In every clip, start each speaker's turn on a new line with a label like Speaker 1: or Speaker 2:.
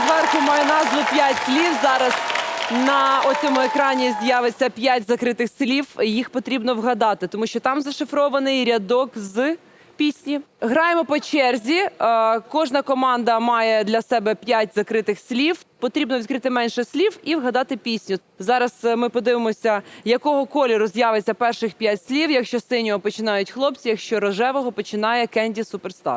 Speaker 1: зверху має назву «5 слів». Зараз на оцьому екрані з'явиться 5 закритих слів. Їх потрібно вгадати, тому що там зашифрований рядок з пісні. Граємо по черзі. Кожна команда має для себе 5 закритих слів. Потрібно відкрити менше слів і вгадати пісню. Зараз ми подивимося, якого кольору з'явиться перших 5 слів. Якщо з синього починають хлопці, якщо рожевого починає Кенді Суперстар.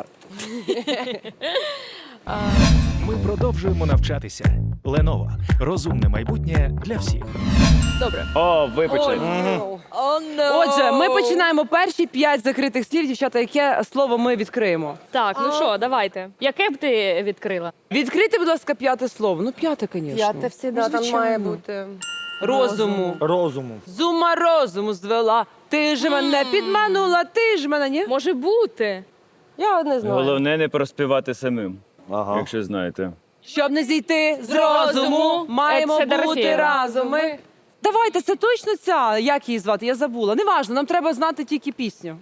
Speaker 2: Ми продовжуємо навчатися. Lenovo. Розумне майбутнє для всіх.
Speaker 1: Добре.
Speaker 3: О, ви почали.
Speaker 1: Отже, ми починаємо перші 5 закритих слів. Дівчата, яке слово ми відкриємо?
Speaker 4: Так, ну що, давайте. Яке б ти відкрила?
Speaker 1: Відкрийте, будь ласка, 5 слово. Ну, 5, звісно.
Speaker 5: П'яте всегда там має бути.
Speaker 1: Розуму.
Speaker 6: Розуму.
Speaker 1: З ума розуму звела. Ти ж мене підманула, ти ж мене, ні?
Speaker 4: Може бути.
Speaker 5: Я не знаю.
Speaker 3: Головне не проспівати самим, якщо знаєте.
Speaker 1: Щоб не зійти з розуму, маємо
Speaker 4: Це
Speaker 1: бути
Speaker 4: Дорофєєва.
Speaker 1: разом. Ми... Давайте, це точно ця. Як її звати? Я забула. Неважно, нам треба знати тільки пісню.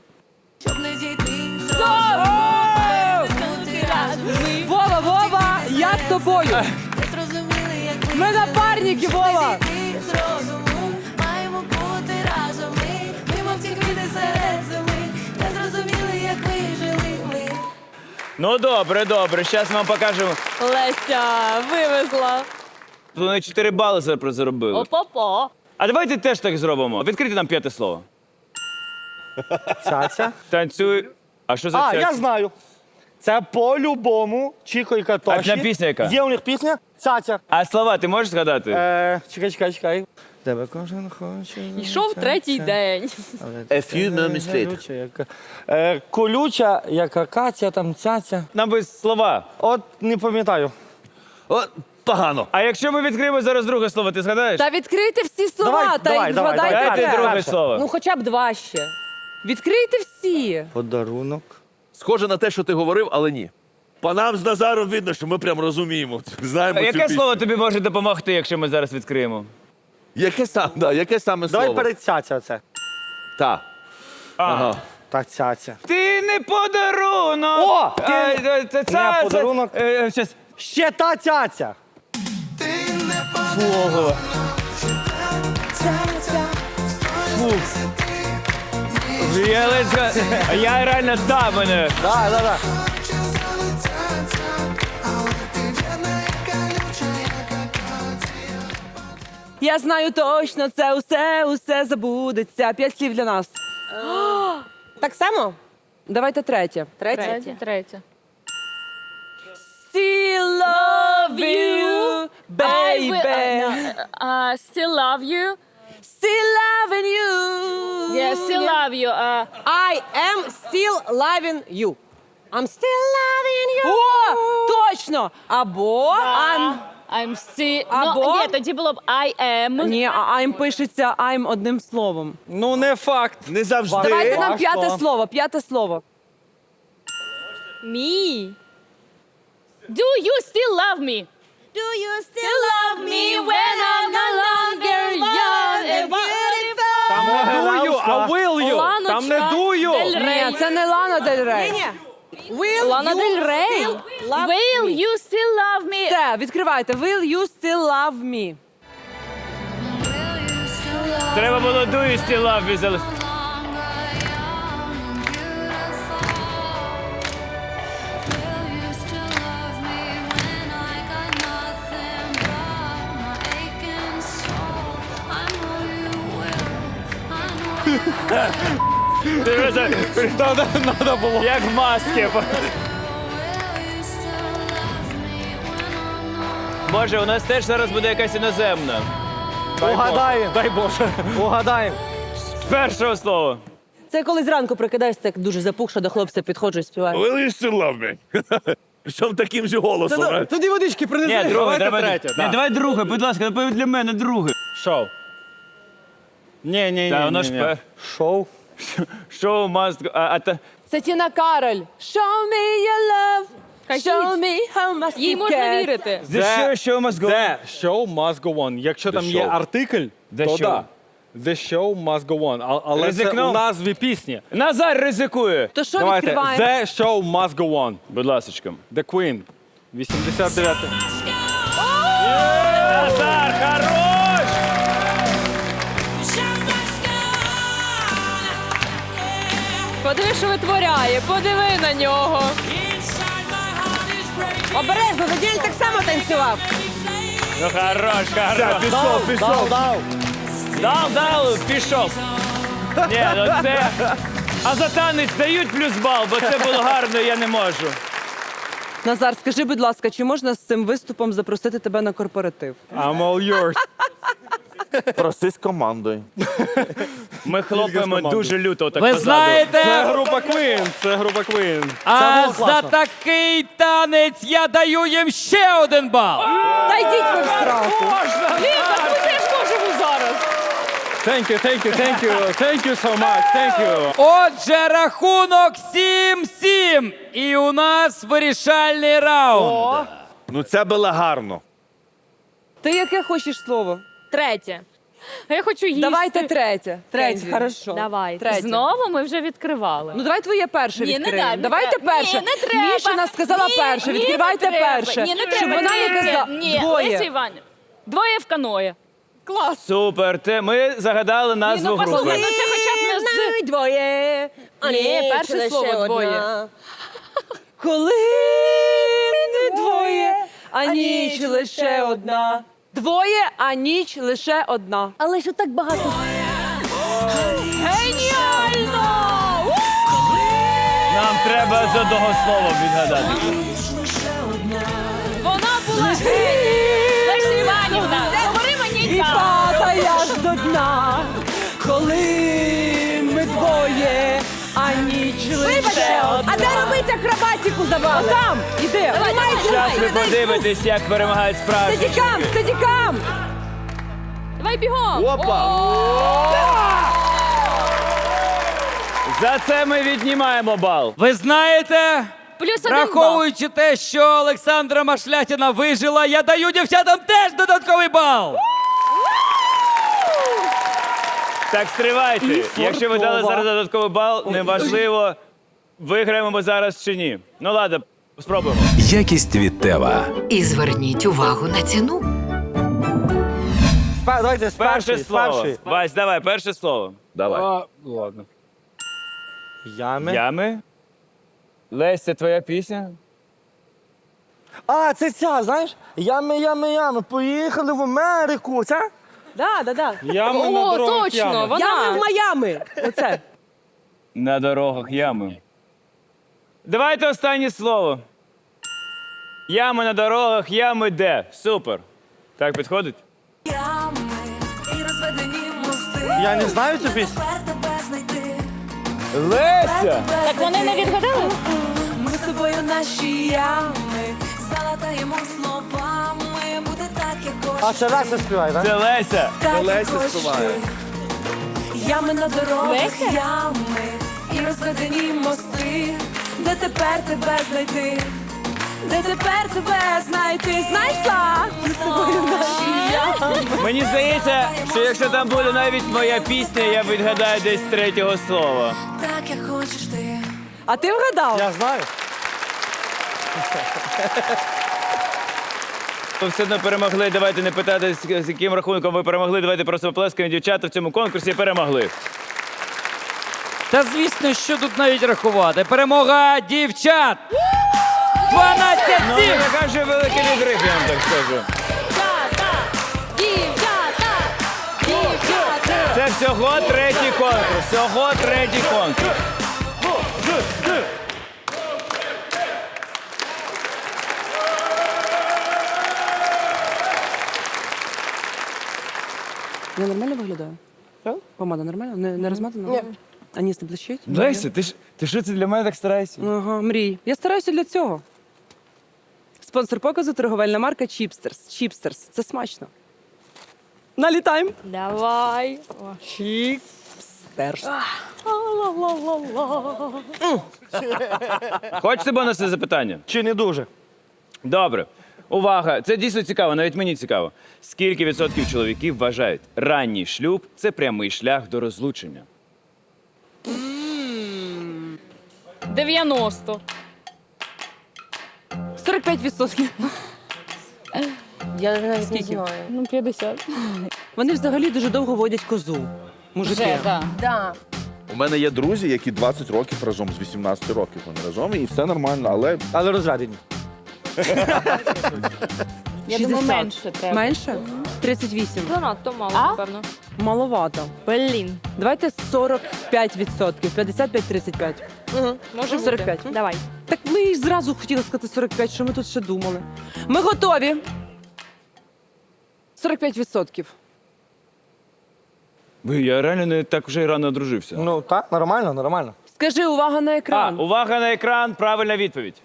Speaker 1: Вова, Вова, я з тобою. Ми напарники, Вова.
Speaker 7: Маємо бути разом ми мов ці квіти серед зими, не зрозуміли, як ви жили ми.
Speaker 3: Ну добре, добре, зараз ми вам покажемо.
Speaker 4: Леся, вивезла.
Speaker 3: Вони 4 бали заробили.
Speaker 4: Опа-па.
Speaker 3: А давайте теж так зробимо. Відкрийте нам 5 слово.
Speaker 6: Цяця.
Speaker 3: Танцюй. А що за
Speaker 6: А,
Speaker 3: ця?
Speaker 6: я знаю. Це по-любому Чіко і Катоші.
Speaker 3: А пісня яка?
Speaker 6: Є у них пісня Цяця.
Speaker 3: А слова ти можеш згадати?
Speaker 6: Чекай. Тебе кожен хоче.
Speaker 4: Йшов третій день.
Speaker 6: A few moments later. Колюча, як Катя, там Цяця.
Speaker 3: Нам би слова.
Speaker 6: От не пам'ятаю.
Speaker 8: Погано.
Speaker 3: А якщо ми відкриємо зараз друге слово, ти згадаєш?
Speaker 1: Та відкрийте всі слова,
Speaker 6: Давай,
Speaker 1: та й
Speaker 6: давай.
Speaker 1: згадайте.
Speaker 3: Дайте
Speaker 1: те.
Speaker 3: друге
Speaker 6: перше.
Speaker 3: слово.
Speaker 1: Ну, хоча б 2 ще. Відкрийте всі.
Speaker 6: Подарунок.
Speaker 8: Схоже на те, що ти говорив, але ні. По нам з Назаром видно, що ми прям розуміємо. Знаємо цю
Speaker 3: Яке
Speaker 8: пісню.
Speaker 3: слово тобі може допомогти, якщо ми зараз відкриємо?
Speaker 8: Яке саме
Speaker 6: Давай
Speaker 8: слово?
Speaker 6: перед Цяця оце.
Speaker 8: Та. Ага.
Speaker 6: Так, Цяця.
Speaker 3: Ти не подарунок!
Speaker 6: О!
Speaker 3: Це
Speaker 6: Не подарунок.
Speaker 3: Щас.
Speaker 6: Ще та Цяця.
Speaker 3: Я ледь зга- А я реально мене.
Speaker 6: Да.
Speaker 1: Я знаю точно, це усе забудеться. 5 слів для нас.
Speaker 5: Так само?
Speaker 1: Давайте третє.
Speaker 4: Третє.
Speaker 1: Still love you, baby.
Speaker 4: Still love you.
Speaker 1: Still loving you.
Speaker 4: Yeah, still love you.
Speaker 5: I am still loving you. I'm still loving you.
Speaker 1: О, точно. Або
Speaker 4: I'm still...
Speaker 1: Або?
Speaker 4: Ну, ні, тоді було б I am.
Speaker 1: Ні, а I'm пишеться I'm одним словом.
Speaker 6: Ну, не факт.
Speaker 8: Не завжди.
Speaker 1: Давайте нам
Speaker 6: Важко.
Speaker 1: 5 слово, 5 слово.
Speaker 4: Me. Do you still love me?
Speaker 7: Do you still love me when I'm no longer young and beautiful?
Speaker 6: Там не дую, а will you.
Speaker 4: Ланочка
Speaker 6: Там не дую.
Speaker 4: Дель Рей.
Speaker 1: Ні, це не Лана Дель Рей.
Speaker 5: Will
Speaker 4: Лана
Speaker 5: you
Speaker 4: Дель Рей.
Speaker 5: still love
Speaker 4: Will
Speaker 5: me?
Speaker 4: you still love me?
Speaker 1: Все, відкривайте. Will you still love me?
Speaker 3: Треба було do you still love me залишити.
Speaker 6: Надо було.
Speaker 3: Як в маски. Боже, у нас теж зараз буде якась іноземна.
Speaker 6: Угадаємо. Дай Боже. Угадаємо.
Speaker 3: З першого слова.
Speaker 5: Це коли зранку прокидаєшся, так дуже запухша, до хлопця підходжу і співаю.
Speaker 8: Will you still love me? Причому таким же голосом.
Speaker 6: Тоді водички принеси.
Speaker 3: Ні, друге, треба.
Speaker 6: третє.
Speaker 3: Ні, давай друге, будь ласка, для мене друге.
Speaker 6: Шоу. Ні.
Speaker 3: Та воно ж
Speaker 6: Шоу.
Speaker 3: шоу must go.
Speaker 1: Це Тіна Кароль. Show me your love. Show me how much
Speaker 4: Їй
Speaker 1: you
Speaker 4: можна
Speaker 1: care.
Speaker 4: вірити.
Speaker 3: The show must go.
Speaker 6: The show must go on. Якщо там є
Speaker 8: show.
Speaker 6: артикль,
Speaker 3: The
Speaker 6: то
Speaker 3: show.
Speaker 6: да. The show must go on. Але це
Speaker 3: Ризикнув?
Speaker 6: у назві пісні.
Speaker 3: Назар ризикує.
Speaker 1: То що
Speaker 6: Давайте.
Speaker 1: відкриваємо?
Speaker 6: The show must go on.
Speaker 3: Будь ласочка.
Speaker 6: The Queen. 89.
Speaker 4: Подиви, що витворяє, подиви на нього.
Speaker 5: Обережно, Наділь так само танцював.
Speaker 3: Ну хорош, хорош.
Speaker 6: Пішов.
Speaker 3: Дав, пішов. Ні, ну це... А за танець дають плюс бал, бо це було гарно, я не можу.
Speaker 1: Назар, скажи, будь ласка, чи можна з цим виступом запросити тебе на корпоратив?
Speaker 6: I'm all yours.
Speaker 8: Проси з командою.
Speaker 3: Ми хлопаємо дуже люто. Так
Speaker 9: Ви
Speaker 3: позаду.
Speaker 9: знаєте,
Speaker 6: група Queen, це група Queen.
Speaker 9: а за такий танець я даю їм ще 1 бал.
Speaker 1: Та йдіть ви в сраку.
Speaker 4: Блін, так ми теж можемо зараз.
Speaker 6: Thank you so much, thank you.
Speaker 9: Отже, рахунок 7-7. І у нас вирішальний раунд.
Speaker 8: Ну це було гарно.
Speaker 1: Ти яке хочеш слово?
Speaker 4: Третє. А я хочу їсти.
Speaker 1: Давайте третє. Третє,
Speaker 4: Кенді.
Speaker 1: хорошо.
Speaker 4: Давайте.
Speaker 1: Третє.
Speaker 4: Знову ми вже відкривали.
Speaker 1: Ну давай твоє перше
Speaker 4: Ні, не
Speaker 1: відкриємо.
Speaker 4: дай, не
Speaker 1: Давайте
Speaker 4: треба.
Speaker 1: перше.
Speaker 4: Ні, не треба.
Speaker 1: Мішина сказала
Speaker 4: Ні,
Speaker 1: перше.
Speaker 4: ні,
Speaker 1: Відкривайте
Speaker 4: не треба.
Speaker 1: перше.
Speaker 4: Ні, не
Speaker 1: Щоб
Speaker 4: треба.
Speaker 1: вона не казала.
Speaker 4: Ні,
Speaker 1: Двоє.
Speaker 4: Леся Іванівна. Двоє в каное. Клас.
Speaker 3: Супер, ми загадали назву
Speaker 4: ну,
Speaker 3: групи.
Speaker 4: послухай, ну це хоча б не з...
Speaker 5: Двоє. А
Speaker 4: Ні, перше
Speaker 5: лише
Speaker 4: слово
Speaker 5: одна.
Speaker 4: двоє.
Speaker 1: Коли не двоє, а ніч лише одна. Двоє, а ніч лише одна.
Speaker 4: Але що так багато? Геніально!
Speaker 3: Нам треба з одного слова відгадати.
Speaker 4: Вона була геній! Леся Іванівна, говори мені
Speaker 1: І
Speaker 4: так!
Speaker 1: падає аж до дна, коли ми двоє, а ніч лише
Speaker 5: Вибачте,
Speaker 1: одна.
Speaker 5: а де робити акробатику забаву?
Speaker 1: Там, іди.
Speaker 3: Зараз ви подивитесь, як перемагають справжні.
Speaker 1: Стедікам, стедікам.
Speaker 4: Давай бігом!
Speaker 3: За це ми віднімаємо бал.
Speaker 9: Ви знаєте,
Speaker 4: Плюс 1 бал.
Speaker 9: враховуючи те, що Олександра Машлятіна вижила, я даю дівчатам теж додатковий бал.
Speaker 3: Так, стривайте. Якщо ви дали зараз додатковий бал, неважливо, виграємо ми зараз чи ні. Ну ладно, спробуємо.
Speaker 2: Якість від Тева.
Speaker 10: І зверніть увагу на ціну.
Speaker 6: Давайте
Speaker 3: Перше слово. Вась, давай, перше слово.
Speaker 8: Давай.
Speaker 6: Ладно. Ями.
Speaker 3: Ями? Леся, твоя пісня?
Speaker 6: А, це ця, знаєш? Ями. Поїхали в Америку. Це?
Speaker 5: Да.
Speaker 6: Ями на
Speaker 4: О,
Speaker 6: дорогах
Speaker 4: точно,
Speaker 6: ями.
Speaker 4: вона.
Speaker 5: Ями в Майами. Оце.
Speaker 3: На дорогах ями. Давайте останнє слово. Ями на дорогах, ями де? Супер. Так підходить?
Speaker 7: Ями і розведені мости.
Speaker 6: Я не знаю цю пісню.
Speaker 7: Тепер тебе знайти.
Speaker 3: Леся!
Speaker 4: Так вони не відгадали?
Speaker 7: Ми з тобою наші ями. Залатаємо словами. Буде так, як
Speaker 6: А
Speaker 7: хочеш.
Speaker 6: це Леся співає, так?
Speaker 3: Це Леся!
Speaker 7: Так, як
Speaker 8: Леся
Speaker 7: хочеш
Speaker 8: співає.
Speaker 7: ти. Ями на дорогах,
Speaker 4: Леся?
Speaker 7: ями і розведені мости. Де тепер тебе знайти? Де тепер тебе знайти? Знайшла! Ми з тобою наші ями.
Speaker 3: Мені здається, що якщо там буде навіть моя пісня, я відгадаю десь з третього слова.
Speaker 7: Так, як хочеш ти.
Speaker 1: А ти вгадав?
Speaker 6: Я знаю.
Speaker 3: Ви все одно перемогли. Давайте не питати, з яким рахунком ви перемогли. Давайте просто оплескаємо. Дівчата в цьому конкурсі перемогли.
Speaker 9: Та звісно, що тут навіть рахувати. Перемога дівчат! 12-7!
Speaker 3: Ну, не така вже великий відрив, я вам так скажу.
Speaker 4: Дівчата! Дівчата!
Speaker 3: Це всього третій конкурс. Всього третій конкурс.
Speaker 1: Я нормально виглядаю? Помада нормально? Не розмазана? Ні. А ніс не блищить?
Speaker 3: Леся, ти що це для мене так стараєшся?
Speaker 1: Ага, мрій. Я стараюся для цього. Спонсор показу – торговельна марка Чіпстерс. Чіпстерс. Це смачно. Налітаємо.
Speaker 4: Давай.
Speaker 1: Чіпстерс.
Speaker 3: Хочете бонусне запитання?
Speaker 6: Чи не дуже?
Speaker 3: Добре. Увага! Це дійсно цікаво, навіть мені цікаво. Скільки відсотків чоловіків вважають, ранній шлюб – це прямий шлях до розлучення?
Speaker 4: 90.
Speaker 1: 45%.
Speaker 5: Я навіть
Speaker 1: Скільки?
Speaker 5: знаю.
Speaker 4: Ну, 50.
Speaker 1: Вони взагалі дуже довго водять козу. Мужики.
Speaker 4: Вже, так.
Speaker 5: Да.
Speaker 8: У мене є друзі, які 20 років разом, з 18 років вони разом, і все нормально,
Speaker 6: Але розведені.
Speaker 4: Я
Speaker 1: 60.
Speaker 4: думаю, менше треба.
Speaker 1: Менше? 38.
Speaker 4: Занадто мало,
Speaker 1: А?
Speaker 4: напевно.
Speaker 1: Маловато.
Speaker 4: Блін.
Speaker 1: Давайте 45%. 55-35.
Speaker 4: Може
Speaker 1: 45.
Speaker 4: Давай.
Speaker 1: Так ми і зразу хотіли сказати 45, що ми тут ще думали. Ми готові. 45%.
Speaker 3: Я реально не так вже й рано одружився.
Speaker 6: Ну так, нормально.
Speaker 1: Скажи, увага на екран.
Speaker 3: Увага на екран, правильна відповідь.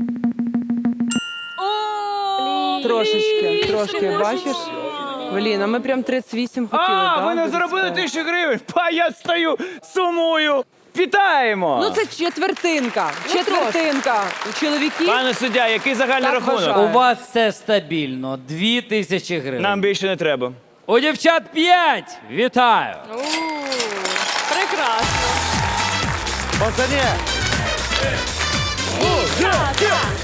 Speaker 1: Трошки, бачиш? Блін, а ми прям 38 хотіли, так?
Speaker 3: Ви не заробили 1000 гривень. Я стою, сумую. Вітаємо!
Speaker 1: Ну це четвертинка. Четвертинка. У чоловіків
Speaker 3: Пане суддя, який загальний
Speaker 1: Так
Speaker 3: рахунок?
Speaker 1: вважаю.
Speaker 9: У вас все стабільно. 2000 гривень.
Speaker 3: Нам більше не треба.
Speaker 9: У дівчат 5. Вітаю.
Speaker 4: Прекрасно.
Speaker 6: Пацані,